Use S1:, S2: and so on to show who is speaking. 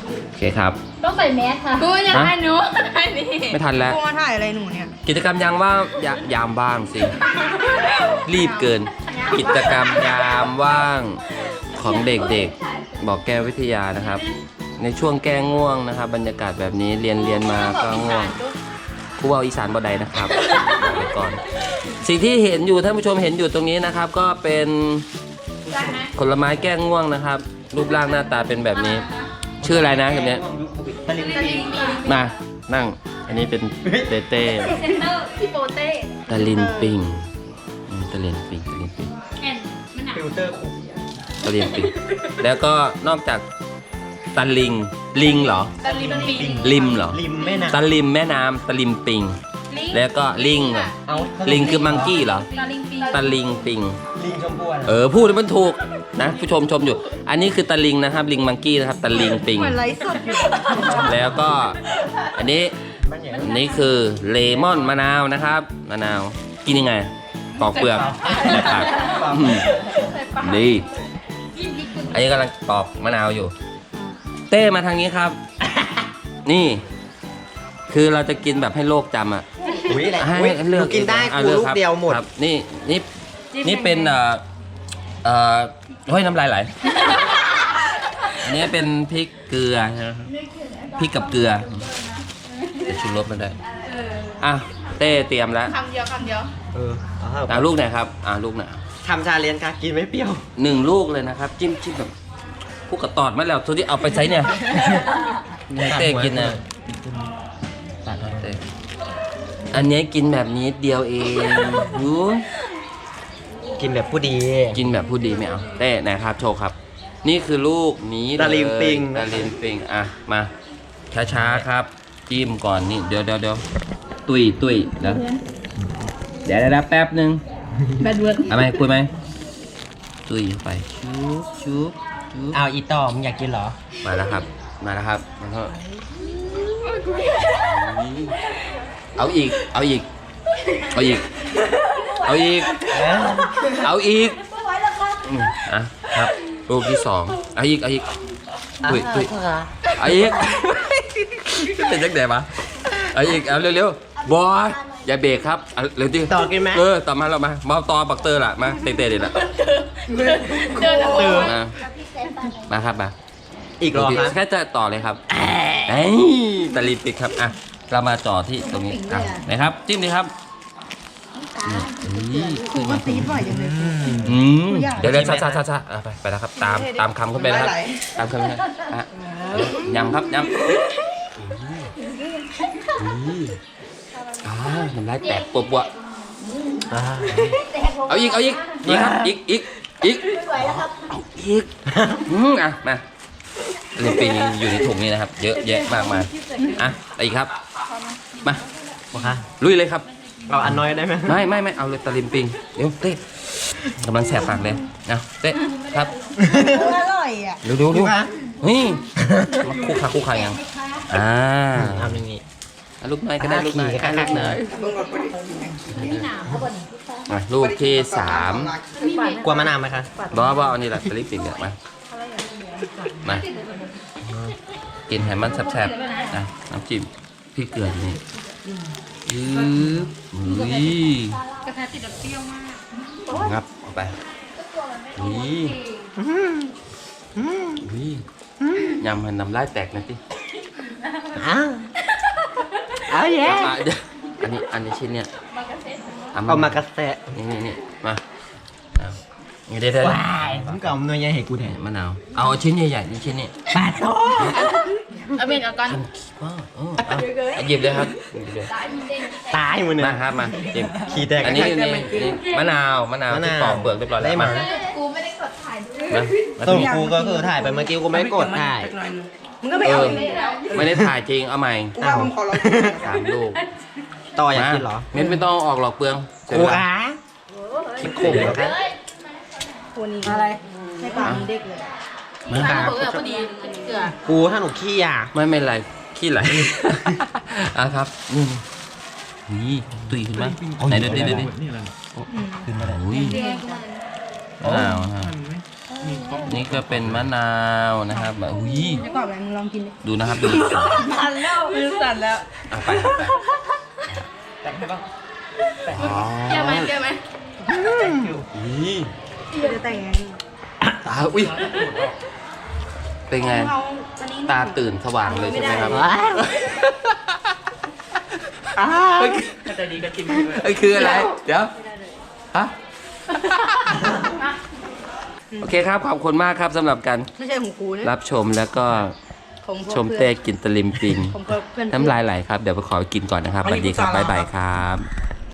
S1: โอเคครับ
S2: ต้องใส่แมสค่ะกูจะถ่ายหนูอันนี้
S1: ไม่ทันแล้ว
S3: กูมาถ่ายอะไรหนูเนี่ย
S1: กิจกรรมยามว่างยามว่างสิ รีบเกิน กิจกรรมยามว่างของเด็กๆ บอกแก้ววิทยานะครับ ในช่วงแก้ง่วงนะครับ บรรยากาศแบบนี้เรียนมาก็ง่วงครูเอาอีสานบ่ใดนะครับเดี๋ยวก่อนสิ่งที่เห็นอยู่ท่านผู้ชมเห็นอยู่ตรงนี้นะครับ ก็เป็นผลไม้แก้ง่วงนะครับ รูปร่างหน้าตาเป็นแบบนี้ ชื่ออะไรนะแบบนี้มานั่งอันนี้เป็นเต้เต้
S2: เซนเตอร์พี่โปเต้
S1: ตะลินปิงตะลินปิง
S2: แอนมันหนัก
S4: ฟิลเตอร์คุก
S1: ตะลินปิงแล้วก็นอกจากตะลิงลิงเหรอ
S2: ตะลิมปิง
S1: ลิมเหรอ
S4: ริมแม่น้
S1: ตะลิมแม่น้ำตะลิมปิง แล้วก็ลิงเหรอ
S4: ำเอา
S1: ลิงคือมังกี้เหรอ
S2: ตะลิงปิง
S1: ตะลิงปิง
S4: ลิงชมพูอะ
S1: พูดให้มันถูกนะผู้ชมชมอยู่ อันนี้คือตะลิงนะครับ ลิงมังกี้นะครับตะลิงปิง
S3: เหมือนไลฟ์สดอยู่
S1: แล้วก็อันนี้
S4: บ้านใหญ่
S1: อันนี้คือเลมอนมะนาวนะครับมะนาวกินยังไงปอกเปลือกในปากอืมดีอันนี้กำลังปอกมะนาวอยู่ เต้มาทางนี้ครับ นี่ คือเราจะกินแบบให้โลกจำอ่ะ
S4: อุ้ยแหละ
S1: ให้
S4: อุ้ย
S1: เลื
S4: ห
S1: อ
S4: นู
S1: ก
S4: กินได้
S1: อ่ะ
S4: กู
S1: ลือก
S4: ลูก
S1: ครับ
S4: เดียวหมด
S1: ครับนี่เป็นเฮ้ยน้ำลายไหล อันนี้เป็นพริกเกลือนะครับพริกกับเกลือเดี๋ยวชูรสมันได้อ่ะเต้เตรียมแล้ว
S2: คำเดียวคำเดียว
S1: เอาลูกไหนครับลูกไหน
S4: ทำชาเลนจ์ค่ะกินไม่เปรี้ยว
S1: 1 ลูกเลยนะครับ จิ้มแบบพวกกระตอดมาแล้วทุกที่เอาไปใช้เนี่ยเต้กินนะเต้อันนี้กินแบบนี้เดียวเองหู
S4: กินแบบผู้ดี
S1: กินแบบผู้ดีไม่เอาเต้ไหนครับโชว์ครับ นี่คือลูกนี้เลย
S4: ตะลิงปิง
S1: ตะลิงปิงอ่ะมาช้าๆครับจิ้มก่อนนี่เดี๋ยวตุยเดี๋ยวแป๊บนึง
S2: แบดเวิร์ด
S1: เอาไหมคุยไหมตุยเข้าไปชุบ
S4: เอาอีต่อมึงอยากกินเหรอ
S1: มาแล้วครับมันก็เอาอีกอ่ะครับรูปที่2เอาอีกตุยเอาอีกเป็นจังได๋วะเอาอีกเอาเร็วๆบอยอย่าเบรกครับเอาเร็วดิ
S4: ต่อกินไหม
S1: ต่อมาเรามาต่อบักเตอร์ล่ะมาเตะๆดิล่ะ
S2: เดินออกมา
S1: มาครับมา
S4: อีกรอครับ
S1: แค่จะต่อเลยครับเอ้ยตะลิดปิดครับอ่ะเรามาจ่อที่ตรงนี้อ่ะนะครับจิ้มดีครับ
S3: ครูก็ตีบ่อยจังเลย
S1: เดี๋ยวช้าไปแล้วครับตามคำขึ้นไปนะครับตามคำขึ้นอ่ะยำครับยำน้ำลายแตกปวดเอาอีกนี่ครับอีกเอาอีกอ่ะมาเรื่องปีนี้อยู่ในถุงนี้นะครับ เยอะแยะมากมายอ่ะอะไรอีกครับมา
S4: โอเค
S1: ลุยเลยครับ
S4: เอาอันน้อยได้ไหม
S1: ไม่เอาเลยตะลิมปิงเดี๋ยวเต้กำลังแสบปากเลยนะเต้ครับ
S3: อร่อยอ่ะ
S1: ดูนี่มาคู่ขายัง
S4: ทำอย่างนี้
S1: ลูกน้อยก็ได้ลูกน้อยลูกน้อยลูกที่3
S4: กลัวมะนาวไหมคะ
S1: บอกว่าเอานี่แหละตะลิมปิงเนี่ยมากินให้มันแซ่บๆนะน้ำจิ้มพริกเกลือนี่
S2: กระทะติดเปรี้ยวมาก
S1: งับออกไปยำให้น้ำลายแตกนะที่
S4: เอาแย่
S1: อันนี้ชิ้นเนี่ย
S4: เอามากระแสะ
S1: นี่มาเดี๋ยว
S4: ว้ายผมเก่าหน่วยใหญ่ให้กูแทน
S1: มะนาวเอาชิ้นใหญ่ๆนี่ชิ้นนี้
S4: ปาดโต้
S2: เอาเมนเอาก่อน
S1: หยิบเลยครับ
S4: ตายมือหนึ่ง
S1: มาครับมาจิ้ม
S4: ขี้แตก
S1: อันนี้มะนาวที่ปอกเปลือกเรียบร้อยแล้วมา
S2: กูไม่ได้กดถ่ายด้วย
S4: ต้นกูก็คือถ่ายไปเมื่อกี้กูไม่กดถ่าย
S3: มึงก็ไปเอา
S1: ไม่ได้ถ่ายจริงเอาใหม่
S3: กูว่ามึงขอร้อง
S1: 3 ลูก
S4: ต่ออยากกินเหรอ
S1: ไม่ต้องออกหรอกเปลือง
S4: กูขาคิดขมเหรอคะ
S3: ตัวนี้อะไรในปากเด็กเลย
S1: มา
S2: ใส่เปลือกพอดีเกลือ
S4: กูถ้าหนูขี้อ่ะ
S1: ไม่เป็นไรขี้ไหลครับนี่ตุยขึ้นมาไหนดูดิขึ้นมาได้อุ้ยมะนาวนี่ก็เป็นมะนาวนะครับแบบอุ้ย
S3: จะกรอบอะไรมึงลองกินดิ
S1: ดูนะครับดู
S3: สั่นแล้วมือสั่นแล้ว
S1: เอาไป
S4: แต่งให้บ้าง
S2: เปรี้ยวไหมเปรี้ยวไหม
S1: นี่
S3: จะแต่งไง
S1: ตาอุ้ยเป็นไง
S3: เอาอันนี้
S1: ตาตื่นสว่างเลยใช่ไหมครับ
S4: ถ้าใจดีก็กินไปเลย
S1: ไอ้คืออะไร เดี๋ยว ฮะ โอเคครับ ขอบคุณมากครับสำหรับการ
S3: ไม่ใช่ของกูนะ
S1: รับชมแล้วก็
S3: ของพวก
S1: ชมเต้กินตะลิมปิง
S3: ของเพื่อน
S1: น้ำลายไหลครับ เดี๋ยวไปขอกินก่อนนะครับสวัสดีครับ บ๊ายบายครับ